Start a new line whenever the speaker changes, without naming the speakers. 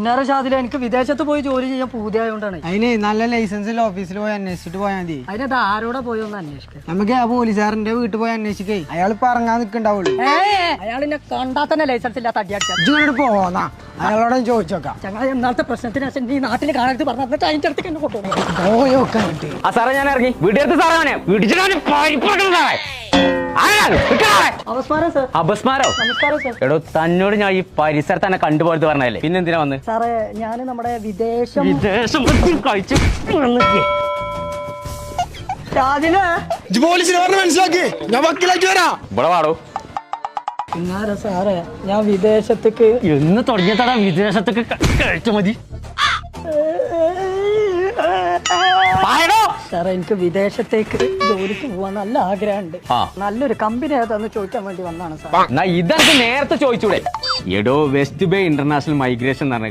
പൊന്നാര ഷാദില എനിക്ക് വിദേശത്ത് പോയി ജോലി ചെയ്യാൻ പൂതിയായോണ്ടാണ്.
അതിന് നല്ല ലൈസൻസിൽ ഓഫീസിൽ പോയി അന്വേഷിച്ചിട്ട് പോയാൽ മതി.
അതിനത് ആരോടെ പോയോന്ന് അന്വേഷിക്കാം.
നമുക്ക് ആ പോലീസുകാരന്റെ വീട്ടിൽ പോയി അന്വേഷിക്കേ. അയാൾ പറഞ്ഞാൽ നിൽക്കണ്ടാവുള്ളൂ.
അയാളിനെ കണ്ടാൽ തന്നെ ലൈസൻസ് ഇല്ലാത്ത അടിയാക്കിയാ
ഇങ്ങോട്ട് പോന്നാ അയാളോട് ചോദിച്ചോക്കാം.
ചങ്ങായി എന്നാലത്തെ പ്രശ്നത്തിന് ശേഷം നീ നാട്ടിൽ കാണരുത് പറഞ്ഞിട്ട് അതിന്റെ അടുത്തേക്ക് എന്നെ കൊണ്ടുപോകും.
പോയോക്കാ
സാറേ ഞാൻ ഇറങ്ങി വീട്ടിലെടുത്ത് സാറേ അപസ്മാരോ എടോ തന്നോട് ഞാൻ ഈ പരിസരത്ത് തന്നെ കണ്ടുപോയത് പറഞ്ഞല്ലേ പിന്നെ എന്തിനാ വന്ന്
സാറേ ഞാൻ നമ്മുടെ വിദേശം
കഴിച്ചു
പോലീസിനെ പറഞ്ഞ് മനസ്സിലാക്കി ഞാൻ വക്കീലായിട്ട് വരാം.
ഇവിടെ വാടോ
പിന്നാര സാറേ ഞാൻ വിദേശത്തേക്ക്
എന്ന് തുടങ്ങിയതാടാ വിദേശത്തൊക്കെ കഴിച്ചു മതി
സാറേ എനിക്ക് വിദേശത്തേക്ക് ജോലിക്ക് പോവാൻ നല്ല ആഗ്രഹമുണ്ട്. നല്ലൊരു കമ്പനി ഏതാന്ന് ചോദിക്കാൻ വേണ്ടി വന്നാണ് സാർ.
ഇതെനിക്ക് നേരത്തെ ചോദിച്ചൂടെ എടോ വെസ്റ്റ് ബേ ഇന്റർനാഷണൽ മൈഗ്രേഷൻ എന്ന് പറഞ്ഞ